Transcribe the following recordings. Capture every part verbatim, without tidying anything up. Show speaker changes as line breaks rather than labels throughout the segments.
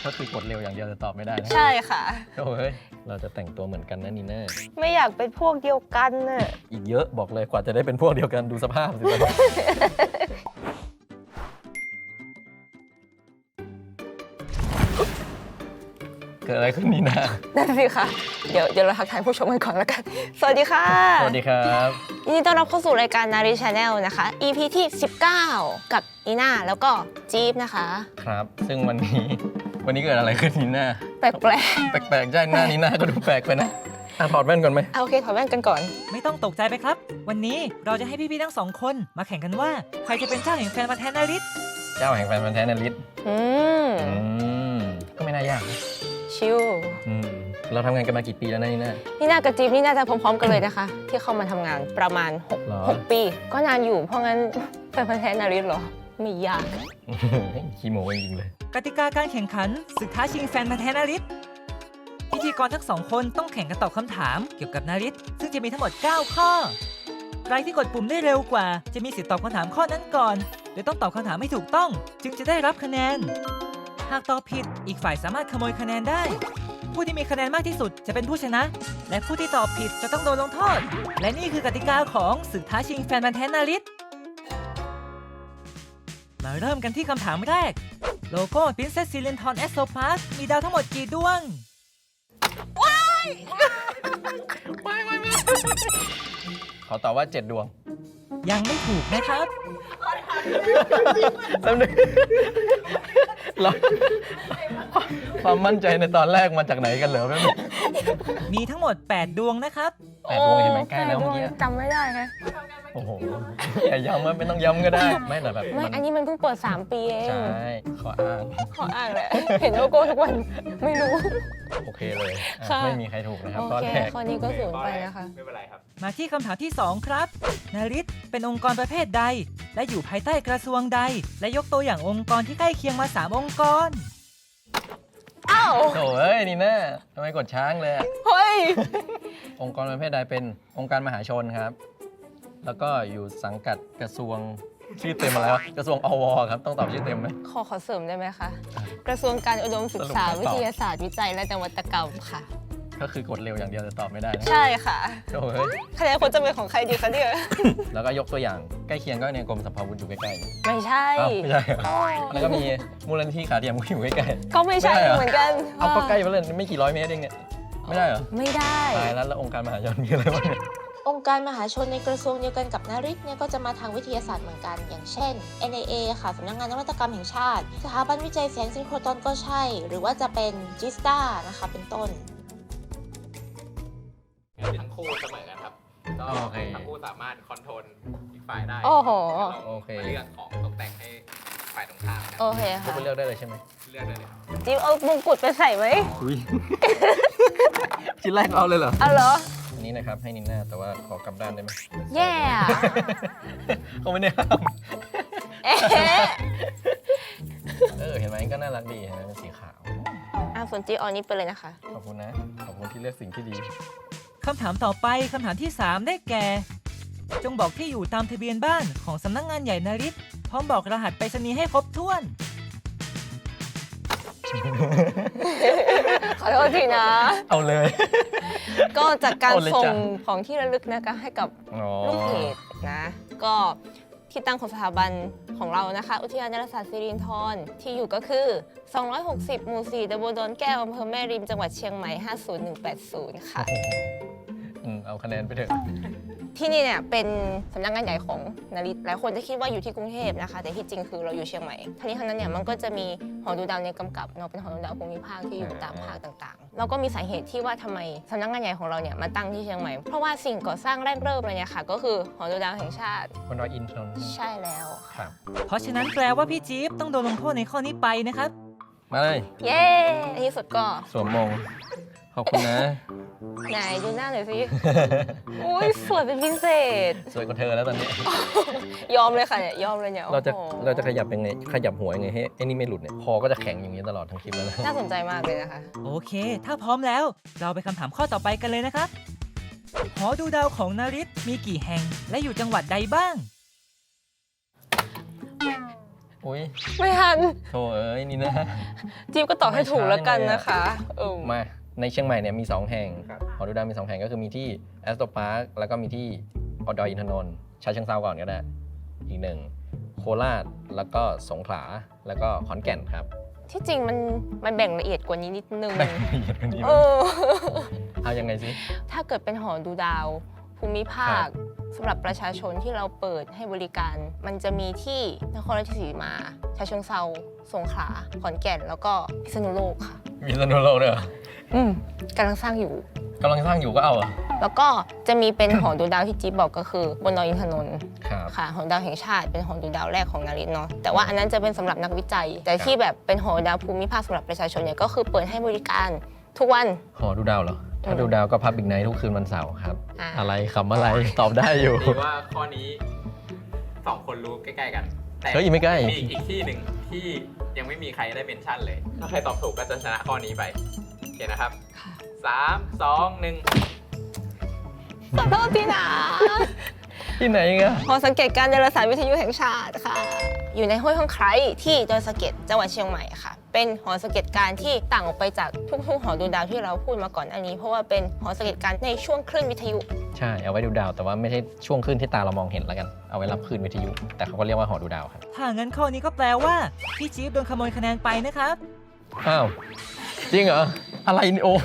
ก็คือกดเร็วอย่างเดียวจะตอบไม่ได้นะ
ใช่ค่ะ
โอ้ยเราจะแต่งตัวเหมือนกันนะนีน่า
ไม่อยากเป็นพวกเดียวกันน่ะ
อีกเยอะบอกเลยกว่าจะได้เป็นพวกเดียวกันดูสภาพสิเกิดอะไรขึ้นนีน่า
นั่นสิค่ะเดี๋ยวเดี๋ยวเราทักทายผู้ชมกันก่อนแล้วกันสวัสดีค่ะ
สวัสดีครับ
ยินดีต้อนรับเข้าสู่รายการนารีชาแนลนะคะ อี พี ที่สิบเก้ากับนีน่าแล้วก็จี๊บนะคะ
ครับซึ่งวันนี้วันนี้เกิดอะไรขึ้นนีน่า
แปลกแปลก
แปลกๆใช่หน้านีน่าก็ดูแปลกไปนะถอดแว่นก่อนไหม
โอเคถอดแว่นกันก่อน
ไม่ต้องตกใจไปครับวันนี้เราจะให้พี่ๆทั้งสองคนมาแข่งกันว่าใครจะเป็นเจ้าแห่งแฟนพันธุ์แท้นาริส
เจ้าแห่งแฟนพันธุ์แท้นาริส
อืม
ก็ไม่น่ายาก
ชิว
เราทำงานกันมากี่ปีแล้วนะนี่น่า
นี่น่ากับจี๊บนี่น่าจะพร้อมๆกันเลยนะคะ ที่เข้ามาทำงานประมาณหกปีก็นานอยู่เพราะงั้นแฟนพันธุ์แท้นาริสเหรอไม่ยาก
ขี้โม้จริงเลย
กติกาการแข่งขันศึกท้าชิงแฟนพันธุ์แท้นาริสพิธีกรทั้งสองคนต้องแข่งกันตอบคำถามเกี่ยวกับนาริสซึ่งจะมีทั้งหมดเก้าข้อใครที่กดปุ่มได้เร็วกว่าจะมีสิทธิ์ตอบคำถามข้อนั้นก่อนโดยต้องตอบคำถามให้ถูกต้องจึงจะได้รับคะแนนหากตอบผิดอีกฝ่ายสามารถขโมยคะแนนได้ผู้ที่มีคะแนนมากที่สุดจะเป็นผู้ชนะและผู้ที่ตอบผิดจะต้องโดนลงโทษและนี่คือกติกาของศึกท้าชิงแฟนพันธุ์แท้นาริสมาเริ่มกันที่คำถามแรกโลโก้ Princess Silenton Exopass มีดาวทั้งหมดกี่ดวง
ว้าย
ไม่ไม่ไม่ขอตอบว่าเจ็ดดวง
ยังไม่ถูกนะครับ
แป๊บนึงเราความมั่นใจในตอนแรกมาจากไหนกันเหรอแป๊บนึง
มีทั้งหมดแปดดวงนะครับ
แปดดวงเห็นไหมใกล้แล้วเมื่อกี้
จำไม่ได้ไง
โอ้โหอย่าย้ำว่าไม่ต้องย้ำก็ได้ไม่แต่แบบ
ไม่อันนี้มันเพิ่งเปิดสามปีเอง
ใช่ขออ้าง
ขออ้างแหละเห็นโลโก้ทุกวันไม่รู้
โอเคเลยไม่มีใครถูกนะครับ
ข้อแรกข้อนี้ก็ศูนย์ไปนะคะ
ไม่เป็นไรครับ
มาที่คำถามที่สองครับนาริสเป็นองค์กรประเภทใดและอยู่ภายใต้กระทรวงใดและยกตัวอย่างองค์กรที่ใกล้เคียงมาสามองค์กร
อ้าว
โถ่เอ้ยนี่นะทำไมกดช้างเลย
เฮ้ย
องค์กรประเภทใดเป็นองค์การมหาชนครับแล้วก็อยู่สังกัดกระทรวงชื่อเต็มมาแล้วกระทรวงอวครับต้องตอบชื่อเต็มไหม
ขอขอเสริมได้ไหมคะกระทรวงการอุดมศึกษาวิทยาศาสตร์วิจัยและนวัตกรรมค่ะ
ก็คือกดเร็วอย่างเดียวจะตอบไม่ได้นะ
ใช่ค่ะ
โอ้ย
คะแนนคนจะเป็นของใครดีคะเนี่ย
แล้วก็ยกตัวอย่างใกล้เคียงก็ในกรมสรรพาวุธอยู่ใกล้
ๆไม่ใช่
ไม่ใช่แล้วก็มีมูลนิธิขาเทียมก็อยู่ใกล้
ๆก็ไม่ใช่เหมือนกัน
เอาก็ใกล้ไปเลยไม่กี่ร้อยเมตรเองเนี่ยไม่ได้เหรอ
ไม่ได้
ตายแล้วแล้วองค์การมหาชนมีอะไรบ้างเนี่ย
องค์การมหาชนในกระทรวงเดียวกันกับนาริสเนี่ยก็จะมาทางวิทยาศาสตร์เหมือนกันอย่างเช่น เอ็น ไอ เอ ค่ะสำนักงานนวัตกรรมแห่งชาติสถาบันวิจัยแสงซินโครตรอนก็ใช่หรือว่าจะเป็นจิสตานะคะเป็นต้น
ทั้งคู่เสมอกันครับก็ทั้งคู่สามารถคอนโทรลอีกฝ่ายได้
โอ้โห
โอเค
เลือกของตกแต่งให้ฝ่ายตรงข้าม
โอเคค่ะ
เลือกได้เลยใช่ไหม
เลือกได้เลยครับ
จิ๊บเอามงกุฎไปใส่ไหม
ชิ้นแรกเอาเลยเหรอ
เอาเหรอ
อันนี้นะครับให้นินน่าแต่ว่าขอกลับด้านได้ไหม
แย่
เขาไม่ได้ห้าม
เอ๊ะ
เออเห็นไหมก็น่ารักดีเห็นไหมเป็นสีขาว
อ่ะส่วนจิ๊บเอานี้ไปเลยนะคะ
ขอบคุณนะขอบคุณที่เลือกสิ่งที่ดี
คำถามต่อไปคำถามที่สามได้แก่จงบอกที่อยู่ตามทะเบียนบ้านของสำนักงานใหญ่นาริสพร้อมบอกรหัสไปรษณีย์ให้ครบถ้วน
ขอโทษทีนะ
เอาเลย
ก็จากการส่งของที่ระลึกนะคะให้กับลูกเพจนะก็ที่ตั้งของสถาบันของเรานะคะอุทยานดาราศาสตร์สิรินธรที่อยู่ก็คือสองร้อยหกสิบหมู่สี่ตำบลดอนแก้วอำเภอแม่ริมจังหวัดเชียงใหม่ห้าศูนย์หนึ่งแปดศูนย์ค่ะ
เอาคะแนนไปเถอะ
ที่นี่เนี่ยเป็นสำนักงานใหญ่ของนาริสหลายคนจะคิดว่าอยู่ที่กรุงเทพนะคะแต่ที่จริงคือเราอยู่เชียงใหม่ทั้งนี้ทั้งนั้นเนี่ยมันก็จะมีหอดูดาวในกำกับเนาะเป็นหอดูดาวภูมิภาคที่อยู่ตามภาคต่างๆแล้วก็มีสาเหตุที่ว่าทำไมสำนักงานใหญ่ของเราเนี่ยมาตั้งที่เชียงใหม่เพราะว่าสิ่งก่อสร้างแรกเริ่มเลยเนี่ยค่ะก็คือหอดูดาวแห่งชาติ
บนดอยอินทนนท์
ใช่แล้วค่ะ
เพราะฉะนั้นแปลว่าพี่จี๊บต้องโดนลงโทษในข้อนี้ไปนะครับ
มาเลย
เย้ในที่สุดก็
สวมมงขอบคุณนะ
ไหนดูหน้าหน่อยสิอุ้ยสวยเป็นพิเศษ
สวยกว่าเธอแล้วตอนนี้
ยอมเลยค่ะเนี่ยยอมเลยเนี่ย
เราจะเราจะขยับยังไงขยับหัวยังไงให้ไอ้นี่ไม่หลุดเนี่ยคอก็จะแข็งอย่างนี้ตลอดทั้งคลิปแล้วนะ
น่าสนใจมากเลยนะคะ
โอเคถ้าพร้อมแล้วเราไปคำถามข้อต่อไปกันเลยนะครับหอดูดาวของนาริสมีกี่แห่งและอยู่จังหวัดใดบ้าง
อุ้ย
ไม่ทัน
โธ่เอ้ยนี่นะ
จิ๊บก็ตอบให้ถูกแล้วกันนะคะเออ
มาในเชียงใหม่เนี่ยมีสองแห่ง
ครับ
หอดูดาวมีสองแห่งก็คือมีที่แอสโตพาร์คแล้วก็มีที่อดอยอินทนนท์ชาเชิงเซาก่อนก็ได้อีกหนึ่งโคราชแล้วก็สงขลาแล้วก็ขอนแก่นครับ
ที่จริงมันมันแบ่งละเอียดกว่านี้นิดนึง
แบ่งละเอียดกันดี
เออ
เอายังไงสิ
ถ้าเกิดเป็นหอดูดาวภูมิภาคสำหรับประชาชนที่เราเปิดให้บริการ มันจะมีที่นครราชสีมาชาเชิงเซาสงขลาขอนแก่นแล้วก็พิษณุโลกค่ะ
มีสนุโลกด้วยเหรอ
อืมกำลังสร้างอยู่
กำลังสร้างอยู่ก็เอาเหรอ
แล้วก็จะมีเป็น หอดูดาวที่จิ๊บบอกก็คือบนดอยอินทนนท์
ครับ
ค่ะหอดูดาวแห่งชาติเป็นหอดูดาวแรกของนาริตเนาะแต่ว่าอันนั้นจะเป็นสำหรับนักวิจัย แต่ที่แบบเป็นหอดูดาวภูมิภาคสำหรับประชาชนเนี่ยก็คือเปิดให้บริการทุกวัน
หอดูดาวเหรอ ถ้าดูดาวก็พับบิ๊กไนท์ทุกคืนวันเสาร์ครับ
อ่า
อะไรคำอะไร ตอบได้อยู่
ดีว่าข้อนี้สองคนรู้ใกล้ๆกัน แต่
เฮ้ยไม่ใกล้
มีอีกที่หนึ่งที่ยังไม่มีใครได้เมนชั่นเลย ถ้าใครตอบถูกก็จะชนะข้อนี้ไปโอเคนะครับสามสองหนึ่ง
ขอโทษทีนะ
ที่ไหนกัน
หอสังเกตการณ์ดาราศาสตร์วิทยุแห่งชาติค่ะ อยู่ในห้วยห้องไคร้ที่ดอยสะเก็ดจังหวัดเชียงใหม่ค่ะ เป็นหอสังเกตการณ์ที่ต่างออกไปจากทุกๆหอดูดาวที่เราพูดมาก่อนอันนี้ เพราะว่าเป็นหอสังเกตการณ์ในช่วงคลื่นวิทยุ
ใช่เอาไว้ดูดาวแต่ว่าไม่ใช่ช่วงคลื่นที่ตาเรามองเห็นแล้วกันเอาไว้รับคลื่นวิทยุ แต่เขาก็เรียกว่าหอดูดาวครับ
ถ้างั้นข้อนี้ก็แปลว่าพี่จี๊บโดนขโมยคะแนนไปนะครับ
อ้าวจริงเหรออะไรนี่โอ้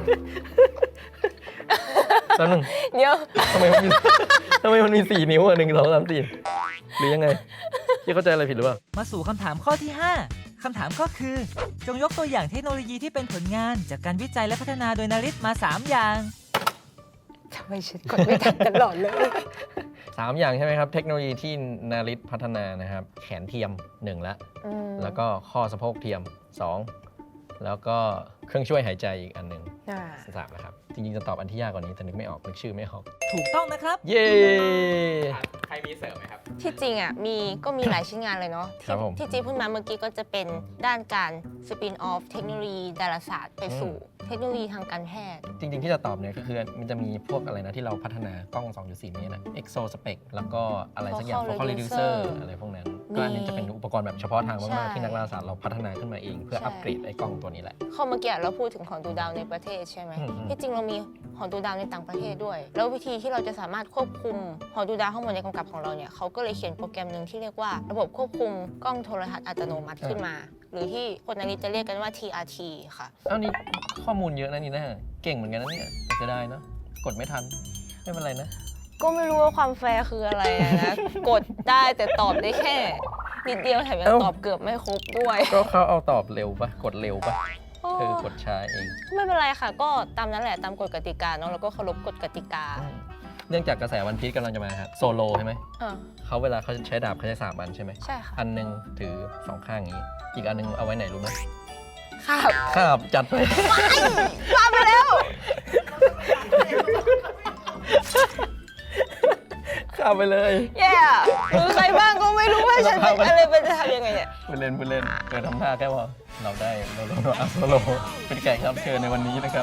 แล้วนึง
เดี๋ยว
ทำไมมันมีทำไมมันมีสี่นิ้วอ่ะหนึ่งสองสามสี่หรือยังไงพี่เข้าใจอะไรผิดหรือเปล่า
มาสู่คำถามข้อที่ ห้า คำถามก็คือ จงยกตัวอย่างเทคโนโลยีที่เป็นผลงานจากการวิจัยและพัฒนาโดยนาริตมา สาม อย่าง
ทำไมฉันกดไม่ทันตลอดเลย
สามอย่างใช่ไหมครับ เทคโนโลยีที่นาริตพัฒนานะครับ แขนเทียมหนึ่งละ
อืม
แล้วก็ข้อสะโพกเทียมสองแล้วก็เครื่องช่วยหายใจอีกอันหนึ่ง
อ่า
สามนะครับ จริงๆจะตอบอันที่ยากกว่านี้แต่นึกไม่ออกนึกชื่อไม่ออก
ถูกต้องนะครับ
เย้
ใครมีเสริมไหมครับ
ที่จริงอ่ะมีก็มีหลายชิ้นงานเลยเนาะ
ครั
ที่
บผม
ที่จีพูดมาเมื่อกี้ก็จะเป็นด้านการสปินออฟเทคโนโลยีดาราศาสตร์ไปสู่เทคโนโลยีทางการแพทย์
จริงๆที่จะตอบเนี่ยก็คือมันจะมีพวกอะไรนะที่เราพัฒนากล้อง สองจุดสี่ เมตรนะ Exo Spec แล้วก็อะไรสักอย่าง
Focal
Focal
Reducer
Reducer อะไรพวกนั้น ก็อันนี้จะเป็นอุปกรณ์แบบเฉพาะทาง
ใช่
มากๆที่นักดาราศาสตร์เราพัฒนาขึ้นมาเอง เพื่อ
ใช่
อัปเกรดไอ้กล้องตัวนี้แหละ
ข้อเมื่อกี้เราพูดถึงหอดูดาวในประเทศใช่ไหม
อืมอืม
ที่จริงเรามีหอดูดาวในต่างประเทศด้วย แล้ววิธีที่เราจะสามารถควบคุมหอดูดาวข้างบนในกำกับของเราเนี่ยเขาก็เลยเขียนโปรแกรมหนึ่งที่เรียกว่าระบบควบคุมกล้องโทรทัศน์อัตโนมัติขึ้นมา หรือที่คนอันนี้จะเรียกกันว่า ที อาร์ ที ค่ะ
เอ้านี่ข้อมูลเยอะนะนี่นะเก่งเหมือนกันนะเนี่ยเสียดายเนาะกดไม่ทันไม่เป็นไรนะ
ก็ไม่รู้ว่าความแฟร์คืออะไรอะนะ กดได้แต่ตอบได้แค่นิดเดียวแถมยัง
เอ้า
ตอบเกือบไม่ครบด้วย
ก็เขาเอาตอบเร็วปะกดเร็วปะ
โอ้
เธอกดช้าเอง
ไม่เป็นไรค่ะ ก็ตามนั้นแหละตามกฎกติกาเนาะแล้วก็เคารพกฎกติกา
อืมเนื่องจากกระแสวันพีชกำลังจะมาครับโซโลใช่ไหม
เออ
เขาเวลาเขาใช้ดาบเขาใช้สามอันใช่ไหม
ใช่ค่ะ
อันหนึงถือสองข้างอย่างนี้ อีกอันหนึงเอาไว้ไหนรู้ไหม
ค่ะ
ครับจัดไป
มาไปแล้ว
ข้ามไปเลย
แย่มือใครบ้างก็ไม่รู้ว่าฉันเป็นอะไรเป็นจะทำยังไงเนี่ย
พูดเล่นพูดเล่นเกิดทำท่าแค่ว่าเราได้เราโดนอัพโซโลเป็นแขกรับเชิญในวันนี้นะครับ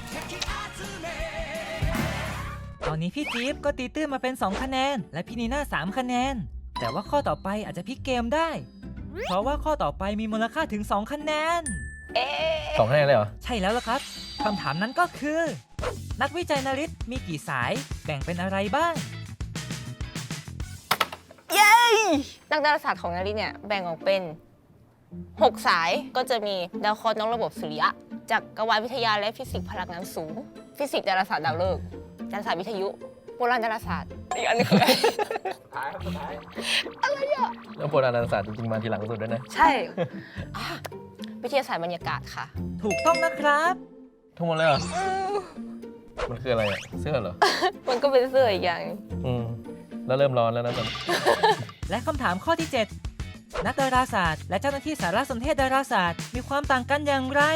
ตอนนี้พี่จี๊บก็ตีตื้นมาเป็น สอง คะแนน และพี่นีน่า สาม คะแนน แต่ว่าข้อต่อไปอาจจะพลิกเกมได้ เพราะว่าข้อต่อไปมีมูลค่าถึง สอง คะแนน
เอ๊ะ
สองคะแนนเลยเหรอ
ใช่แล้วล่ะครับ คำถามนั้นก็คือ นักวิจัยนาริตมีกี่สายแบ่งเป็นอะไรบ้าง
เย้นักดาราศาสตร์ของนาริเนี่ยแบ่งออกเป็นหกสายก็จะมีดาวเคราะห์นอกระบบสุริยะจักรวาลวิทยาและฟิสิกส์พลังงานสูง ฟิสิกส์ดาราศาสตร์ดาวฤกษ์ดาราศาสตร์วิทยุโบราณดาราศาสตร์อีกอันหนึงคืออะไร
สุดท้ายครับสุดท้าย
แล้วโบราณดาราศาสตร์จริงๆมาทีหลังสุดด้วยนะ
ใช่อ่ะวิทยาศาสตร์บรรยากาศค่ะ
ถูกต้องนะครับ
ทุกหมดเลยเหรอ มันคืออะไรอะเสื้อเหรอ
มันก็เป็นเสื้ออีกอย่าง
อืม แล้วเริ่มร้อนแล้วนะตอนนี้
และคำถามข้อที่ เจ็ด นักดาราศาสตร์และเจ้าหน้าที่สารสนเทศดาราศาสตร์มีความต่างกันอย่างไร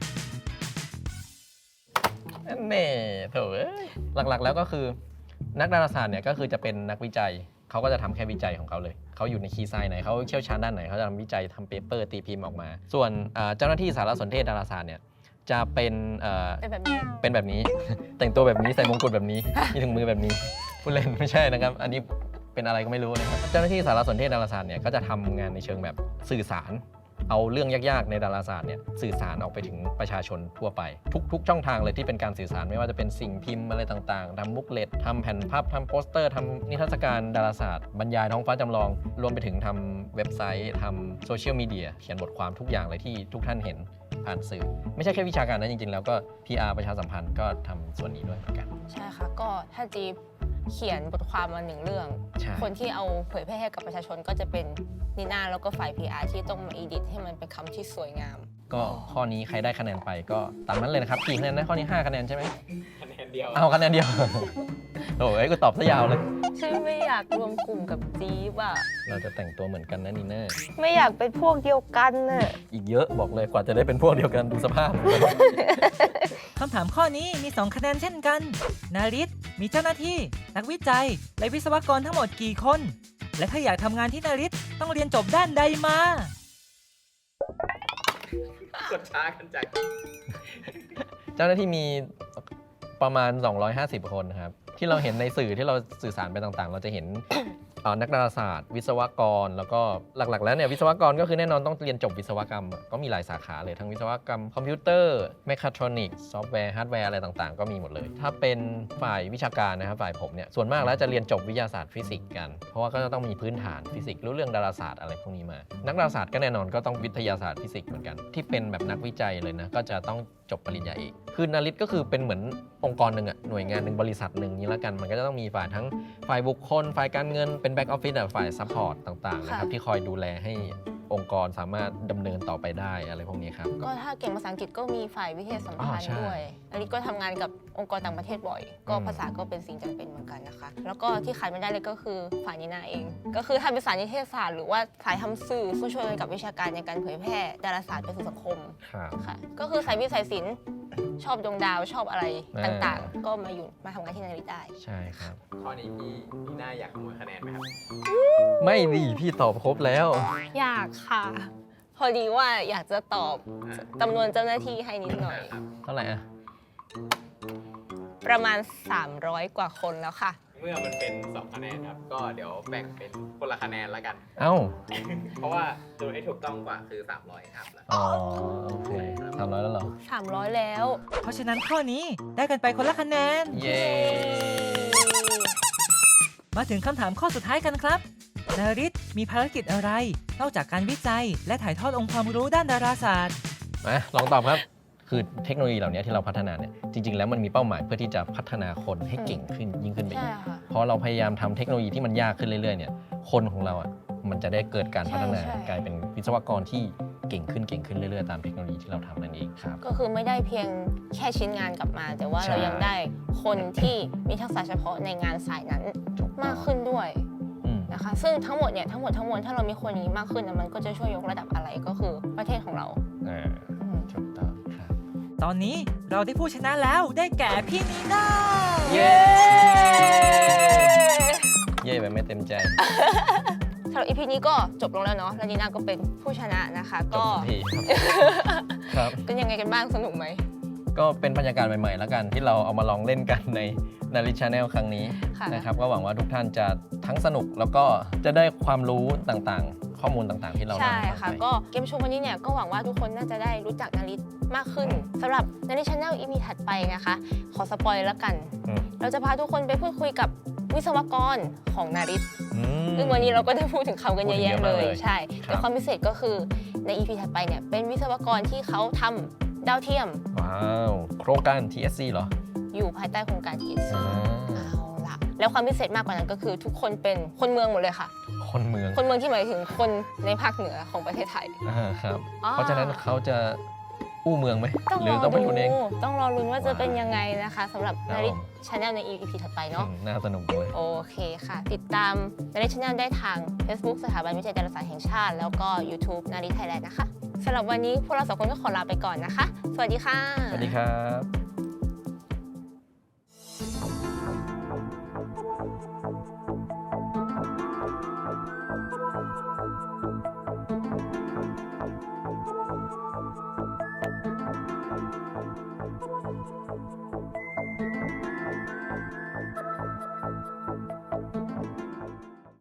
แน่โถเอ้ยหลักๆแล้วก็คือนักดาราศาสตร์เนี่ยก็คือจะเป็นนักวิจัยเขาก็จะทำแค่วิจัยของเขาเลยเขาอยู่ในคีย์ไซน์ไหนเขาเชี่ยวชาญด้านไหนเขาจะทำวิจัยทำเปเปอร์ตีพิมพ์ออกมา ส่วนเอ่อเจ้าหน้าที่สารสนเทศดาราศาสตร์เนี่ยจะเป็นเอ่อ
เป็นแบบนี้
เป็นแบบนี้ แต่งตัวแบบนี้ใส่มงกุฎแบบนี้ มีถุงมือแบบนี้พูดเล่นไม่ใช่นะครับ อันนี้เป็นอะไรก็ไม่รู้นะครับเจ้าหน้าที่สารสนเทศดาราศาสตร์เนี่ยก็จะทำงานในเชิงแบบสื่อสาร เอาเรื่องยากๆในดาราศาสตร์เนี่ยสื่อสารออกไปถึงประชาชนทั่วไปทุกๆช่องทางเลยที่เป็นการสื่อสารไม่ว่าจะเป็นสิ่งพิมพ์อะไรต่างๆทำบุ๊กเลตทำแผ่นภาพทำโปสเตอร์ทำนิทรรศการดาราศาสตร์บรรยายท้องฟ้าจำลองรวมไปถึงทำเว็บไซต์ทำโซเชียลมีเดียเขียนบทความทุกอย่างเลยที่ทุกท่านเห็นผ่านสื่อไม่ใช่แค่วิชาการนะจริงๆแล้วก็ พี อาร์ ประชาสัมพันธ์ก็ทำส่วนนี้ด้วยเหมือนกัน
ใช่ค่ะก็ถ้าจีบเขียนบทความมาหนึ่งเรื่อง
ใช่
คนที่เอาเผยแพร่ให้กับประชาชนก็จะเป็นนีน่าแล้วก็ฝ่าย พี อาร์ ที่ต้องมาอีดิทให้มันเป็นคำที่สวยงาม
ก็ข้อนี้ใครได้คะแนนไปก็ตามนั้นเลยนะครับกี่คะแนนได้ข้อนี้ห้าคะแนนใช่ไหม
คะแนนเดียว
เอาคะแนนเดียว โอ้ยกูตอบซะยาวเลย
ฉันไม่อยากรวมกลุ่มกับจีบอะ
เราจะแต่งตัวเหมือนกันนะนีน่า
ไม่อยากเป็นพวกเดียวกันน่ะ
อีกเยอะบอกเลยกว่าจะได้เป็นพวกเดียวกันดูสภาพ
คำถามข้อนี้มี สอง คะแนนเช่นกัน นาริตมีเจ้าหน้าที่ นักวิจัย และวิศวกรทั้งหมดกี่คน และถ้าอยากทำงานที่นาริตต้องเรียนจบด้านใดมา
กดช้ากันจัง
เจ้าหน้าที่มีประมาณ สองร้อยห้าสิบ คนครับที่เราเห็นในสื่อที่เราสื่อสารไปต่างๆ เราจะเห็น เอ่อนักดาราศาสตร์ วิศวกร แล้วก็หลักๆ แล้วเนี่ยวิศวกรก็คือแน่นอนต้องเรียนจบวิศวกรรมอะก็มีหลายสาขาเลยทั้งวิศวกรรมคอมพิวเตอร์แมคคาทรอนิกส์ซอฟต์แวร์ฮาร์ดแวร์อะไรต่างๆ ก็มีหมดเลย ถ้าเป็นฝ่ายวิชาการนะครับฝ่ายผมเนี่ยส่วนมากแล้วจะเรียนจบวิทยาศาสตร์ฟิสิกส์กันเพราะว่าก็จะต้องมีพื้นฐานฟิสิกส์รู้เรื่องดาราศาสตร์อะไรพวกนี้มา นักดาราศาสตร์ก็แน่นอนก็ต้องวิทยาศาสตร์ฟิสิกส์เหมือนกันที่เป็นแบบนักวิจัยเลยนะก็จะต้องจบปริญญาเอกคือนาริตก็คือเป็นเหมือนองค์กรหนึ่งอะหน่วยงานหนึ่งบริษัทหนึ่งนี้แล้วกันมันก็จะต้องมีฝ่ายทั้งฝ่ายบุคคลฝ่ายการเงินเป็นแบ็กออฟฟิศฝ่ายซัพพอร์ตต่างๆนะครับ
ค่ะ
ที่คอยดูแลให้องค์กรสามารถดำเนินต่อไปได้อะไรพวกนี้ครับ
ก็ถ้าเก่งภาษาอังกฤษก็มีฝ่ายวิทยาสัมพัน
อ๋อ
ธ์
ใช่
ด้วย อันนี้ก็ทำงานกับองค์กรต่างประเทศบ่อย ก็
อืม
ภาษาก็เป็นสิ่งจำเป็นเหมือนกันนะคะ แล้วก็ที่ขาดไม่ได้เลยก็คือฝ่ายนีน่าเอง ก็คือถ้าเป็นสายนิเทศศาสตร์หรือว่าสายทำสื่อช่วยๆกันกับวิชาการในการเผยแพร่ดาราศาสตร์ไปสู่สังคม
ครับ
ค่ะ ก็คือสายวิทย์สายศิลป์ชอบดวงดาวชอบอะไร
อ่า
ต่างๆ ก็มาอยู่มาทำงานที่นาริตได้
ใช่ครับ
ข้อนี้พี่พี่น่าอยากขโมยคะแนนไหมครับ
ไม่ดีพี่ตอบครบแล้ว
อยากค่ะ พอดีว่าอยากจะตอบจำนวนเจ้าหน้าที่ให้นิดหน่อย
ครับ
เท่าไหร่อะ
ประมาณ สามร้อย กว่าคนแล้วค่ะ
เมื่อมันเป็นสองคะแนนครับ ก็เดี๋ยวแบ่งเป็นคนละคะแนนแล้วกัน
เอ้า
เพราะว่าตัวที่ถูกต้องกว่าคือสามร้อยครับแล้ว
อ๋อโอเคสามร้อยแล้วเหรอ
สามร้อย แล้ว
เพราะฉะนั้นข้อนี้ได้กันไปคนละคะแนน
เย้
มาถึงคำถามข้อสุดท้ายกันครับ นาริตมีภารกิจอะไร นอกจากการวิจัย และถ่ายทอดองค์ความรู้ด้านดาราศาสตร์
มาลองตอบครับ คือเทคโนโลยีเหล่านี้ที่เราพัฒนาเนี่ยจริง ๆ แล้วมันมีเป้าหมายเพื่อที่จะพัฒนาคนให้เก่งขึ้นยิ่งขึ้นไป
ใช่
อีก
ค่ะ
พอเราพยายามทำเทคโนโลยีที่มันยากขึ้นเรื่อยๆเนี่ยคนของเราอ่ะมันจะได้เกิดการพัฒนา
ใช่ใช่
กลายเป็นวิศวกรที่เก่งขึ้นเก่งขึ้นเรื่อยๆตามเทคโนโลยีที่เราทำนั่นเองครับ
ก็คือไม่ได้เพียงแค่ชิ้นงานกลับมา แต่ว่า
ใช่
เรายังได้คนที่มีทักษะเฉพาะในงานสายนั้น
ถูกต้อง
มากขึ้นด้วย
อืม
นะคะ ซึ่งทั้งหมดเนี่ยทั้งหมดทั้งมวลถ้าเรามีคนอย่างนี้มากขึ้นนะมันก็จะช่วยยกระดับอะไรก็คือประเทศของเรา
อ่า
อืม
ถูกต้องครับ
ตอนนี้เราได้ผู้ชนะแล้วได้แก่พี่นีน่า
เย้ เย้แบบไม่เต็มใจ
สำหรับ อี พี นี้ก็จบลงแล้วเนาะ แล้วนีน่าก็เป็นผู้ชนะนะคะ
จ
ก็
บสักทีครับ
เป็นยังไงกันบ้างสนุกไหม
ก็เป็นบรรยากาศใหม่ๆ แล้วกันที่เราเอามาลองเล่นกันในนาริชาแนลครั้งนี้
ค่ะ
นะครับก็หวังว่าทุกท่านจะทั้งสนุกแล้วก็จะได้ความรู้ต่างๆ ข้อมูลต่างๆ ที่เรา
ใช่
เล่าให้ฟั
ค่ะ
งไป
ก็เกมโชว์วันนี้เนี่ยก็หวังว่าทุกคนน่าจะได้รู้จักนาริตมากขึ้นสำหรับนาริชาแนล อี พี ถัดไปนะคะ ขอสปอยแล้วกัน
อืม
เราจะพาทุกคนไปพูดคุยกับวิศวกรของนาริต
อืม
ซึ่งวันนี้เราก็ได้พูดถึงเขากันเยอะแยะ
พูดถึงเยอะ
เล
มาก
ย
เลย
ใช่
ครับ
แต่ความพิเศษก็คือใน อี พี ถัดไปเนี่ยเป็นวิศวกรที่เขาทำดาวเทียม
ว้าวโครงการ ที เอส ซี เหรอ
อยู่ภายใต้โครงการ ที เอส ซี
อ่า
เอาล่ะ แล้วความพิเศษมากกว่านั้นก็คือทุกคนเป็นคนเมืองหมดเลยค่ะ
คนเมือง
คนเมืองที่หมายถึงคนในภาคเหนือของประเทศไทย
อ่าครับ
อ๋อ
เพราะฉะนั้นเขาจะอู้เมืองไหม
ต้อง
ห
ร
รือ
อ
ต้องไป
ดู
ดูเอง
ต้องรอลุ้นว่าจะ
ว้าว
เป็นยังไงนะคะสำหรับ
ครับ
นาริต
ผม
ชาแนลใน อี พี ถัดไปเนาะ
อืมน่าสนุกจังเลย
โอเคค่ะ ติดตามนาริตชาแนลได้ทาง Facebook สถาบันวิจัยดาราศาสตร์แห่งชาติ แล้วก็ YouTube นาริตไทยแลนด์นะคะสำหรับวันนี้พวกเราสองคนก็ขอลาไปก่อนนะคะ สวัสดีค่ะ
สวัสดีครับ